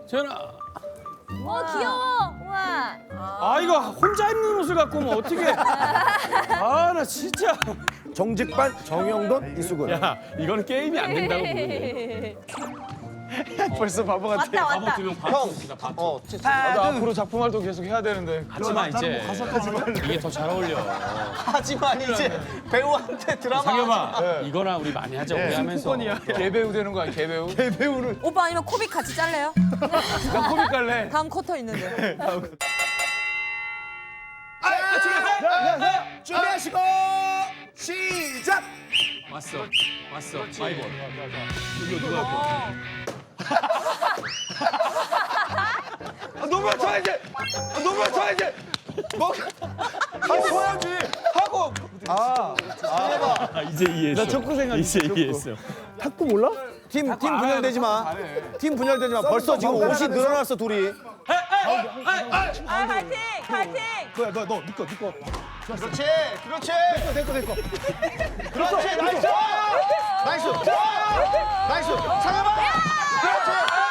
재현아. 귀여워. 우와. 아 이거 혼자 입는 옷을 갖고 오면 어떻게? 아 나 진짜. 정직반 정영돈 이수근. 야 이거는 게임이 안 된다고 보는데. 벌써 바보 같아. 왔다 왔다. 나도 앞으로 작품 활동 계속 해야 되는데. 하지만 이제 이게 더 잘 어울려. 하지만 이제 배우한테 드라마. 상엽아 이거나 우리 많이 하자 우리 하면서. 개배우 되는 거야, 개배우. 개배우를. 오빠 아니면 코빅 같이 잘래요? 나 코믹 갈래. 다음 쿼터 있는데. 준비하시고 시작. 왔어. 마이볼. 이거 누가 할 거야? 너무 쳐야지. 너무 쳐야지. 뭐? 쳐야지. 하고. 아 이제 이해했어. 나 척구 생각 이제 이해했어. 탁구 몰라? 팀 분열되지 마. 팀 분열되지 마. 벌써 지금 옷이 늘어났어 둘이. 파이팅! 파이팅! 그야 너 니꺼. 그렇지. 그렇지. 내꺼. 그렇지. 나이스. 나이스. 상엽아. 그렇지.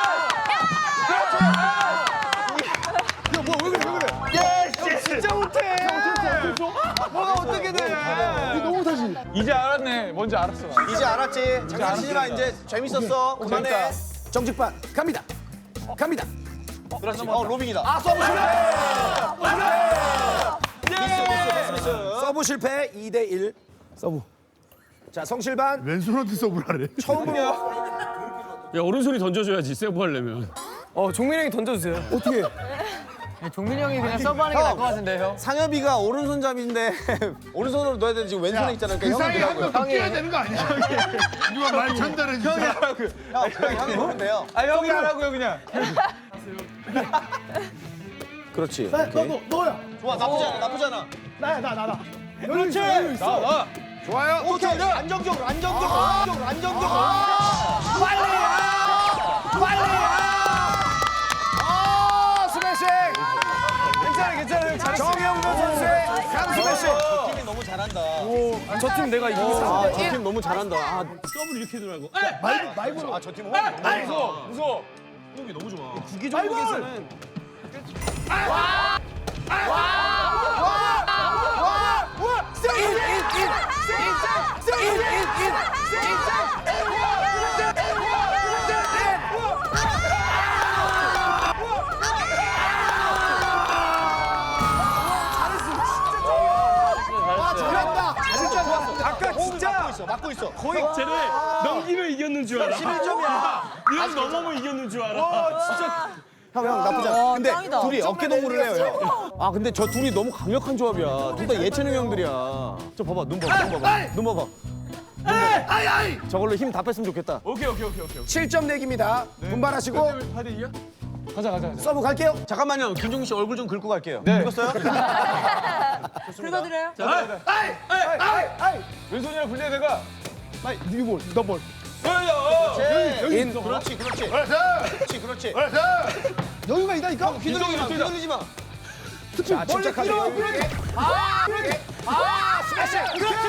야 뭐야 왜 그래? 진짜 못해. 뭐가 어떻게 돼? 너무 다시. 이제 알았네. 뭔지 알았어. 나. 이제 알았지. 장난치지 마. 이제 재밌었어. 그만해. 정직반 갑니다. 그렇지. 로빙이다. 아, 서브 실패. 미스. 서브 실패 2대1. 서브. 자 성실반 왼손한테 서브를 하래. 처음으로 야 오른손이 던져줘야지 세브 하려면. 종민이 형이 던져주세요. 어떻게? 종민이 형이 그냥 서브하는 게 나을 것 같은데, 형. 상엽이가 오른손잡이인데 오른손으로 넣어야 되는데 지금 왼손에 있잖아. 그 사이에 한명 뛰어야 되는 거 아니야? 누가 말 전달해 주세요. 형이 보면 돼요. 아, 형이 하라고요, 그냥. 그렇지. 너야. 좋아. 나쁘지 않아. 나야. 그렇지. 나. 좋아요. 오케이. 안정적으로. 스매싱. 괜찮아. 정영돈 선수의 강스매싱. 팀이 너무 잘한다. 저 팀 내가 이기겠어. 저 팀 너무 잘한다. 서브를 이렇게 들어가고. 저 팀 무서워. 구기 종목에서는 아까 진짜 막고 있어. 거의 쟤네 넘기면 이겼는 줄 알아. 11점이야. 이거 넘으면 이겼는 줄 알아. 형 나쁘지 않아. 근데 짱이다. 둘이 어깨 동무를 해요. 형. 아 근데 저 둘이 너무 강력한 조합이야. 둘 다 예체능 형들이야. 저 봐봐. 눈 봐봐. 저걸로 힘 다 뺐으면 좋겠다. 오케이. 7점 내기입니다. 분발하시고 8대 2야? 가자. 서브 갈게요. 잠깐만요. 김종민 씨 얼굴 좀 긁고 갈게요. 네. 읽었어요? 긁어드려요? 왼손이랑 분리해, 내가. 니볼, 너볼. 인. 그렇지. 그렇지. 여유가 있다니까. 휘둘리지 마. 자, 침착하게. 스매싱. 그렇지.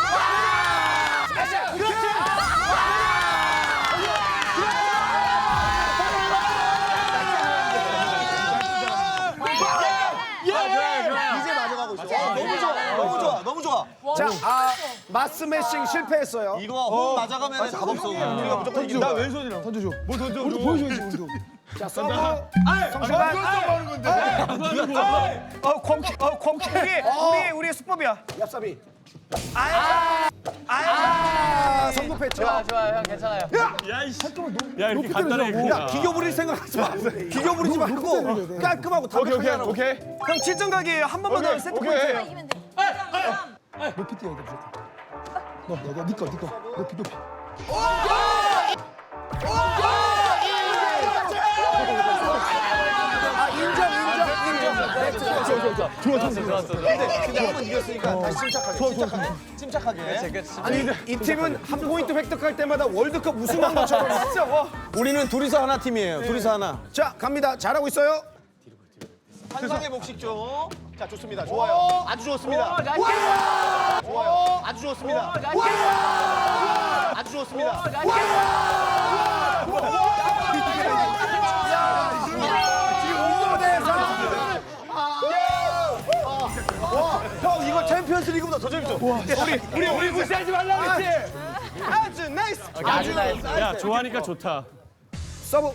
이제 맞아가고 있어. 너무 좋아. 자, 마스매싱 실패했어요. 이거 호흡 맞아가면 답 없어. 우리가 무조건 이긴다. 나 왼손이랑. 던져줘. 뭐 던져? 보여줘야지. 자, 서브. 성실반. 하는 건데. 콩킥이 우리의 수법이야. 얍삽이. 성급했죠. 좋아, 형 괜찮아요. 야 이렇게 간단하게. 야, 기교 부릴 생각하지 마. 기교 부리지 말고 깔끔하고 담백하게 하라고. 오케이. 형 7점 가기 한 번만 더 세트 포인트. 이기면 돼. 높이 뛰어야 돼, 무조건. 니 거. 높이. 좋았어. 근데 한번 이겼으니까 다시 침착하게. 아니, 이 팀은 한 포인트 획득할 때마다 월드컵 우승한 것처럼. 우리는 둘이서 하나 팀이에요. 둘이서 하나. 자, 갑니다. 잘하고 있어요. 환상의 목식 중. 자, 좋습니다. 좋아요. 아주 좋습니다. 좋아요. 아주 좋습니다. 아주 좋습니다. 더 재밌어. 우리 무시하지 말라고 했지. 아주 나이스. 야 좋아하니까 좋다. 서브.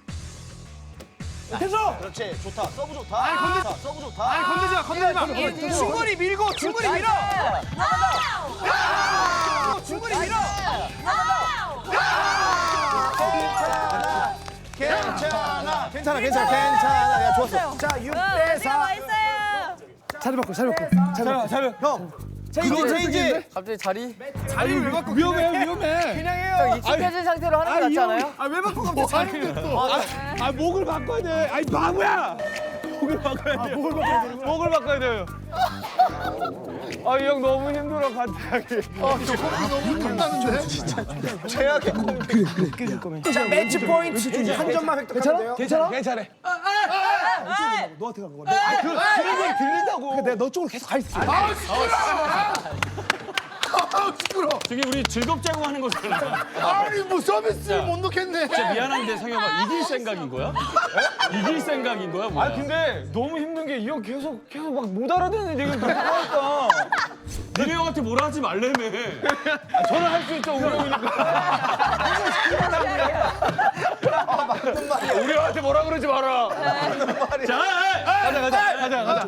됐어. 그렇지, 좋다. 서브 좋다. 서브 좋다. 아니 건들지 마. 중거리 밀고 중거리 밀어. 중거리 밀어. 괜찮아. 야, 좋았어. 자 6대 4. 맛있어요. 자리 바꿔. 형. 체인지. 갑자기 자리? 자리를 왜 바꿔? 위험해. 그냥 해요. 익숙해진 상태로 하는 게 낫지 않아요? 아왜 바꿔 갑자기 자리를 또. 아 목을 바꿔야 돼. 아이 바보야. 목을 바꿔야 돼. 목을 바꿔야 돼요. 아 이 형 너무 힘들어 갑자기. 너무 힘들다는데. 최악의 콤비. 자 매치 포인트 한 점만 획득하면 돼요. 괜찮아. 너한테 간 거야. 들리고 들린다고. 내가 너 쪽으로 계속 가 있어. 시끄러. 저기 우리 즐겁자고 하는 거잖아. 아니 뭐 서비스를 못 넣겠네. 진짜 미안한데 상혁아 이길 생각인 거야? 이길 생각인 거야 뭐야? 근데 너무 힘든 게 이 형 계속 막 못 알아듣는 얘기를 계속 하니까. 니네 형한테 뭐라 하지 말래며. 저는 할 수 있죠, 우리 형이니까. 우리 형한테 뭐라 그러지 마라. 가자.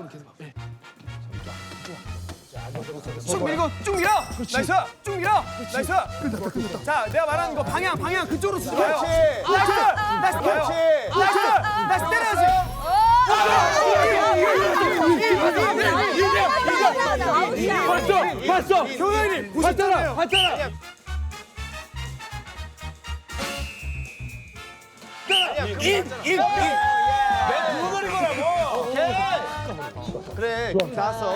쭉 밀고 쭉 밀어. 나이스. 쭉 밀어. 나이스. 자, 내가 말하는 거 방향 그쪽으로 쓰지 마요. 나이스. 나이스 때려야지. 봤어. 교장님 봤잖아. 그래, 좋았어.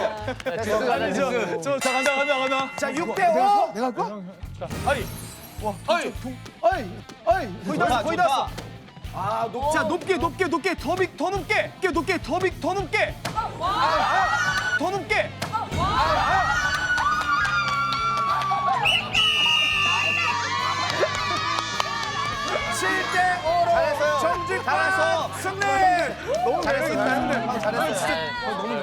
자 간다. 자 6대 5. 내가 할까? 거의 다 왔어. 자 높게 더 높게. 더 높게. 잘했어요. 전직 잘했어. 승리. 너무 잘했어. 잘했어. 너무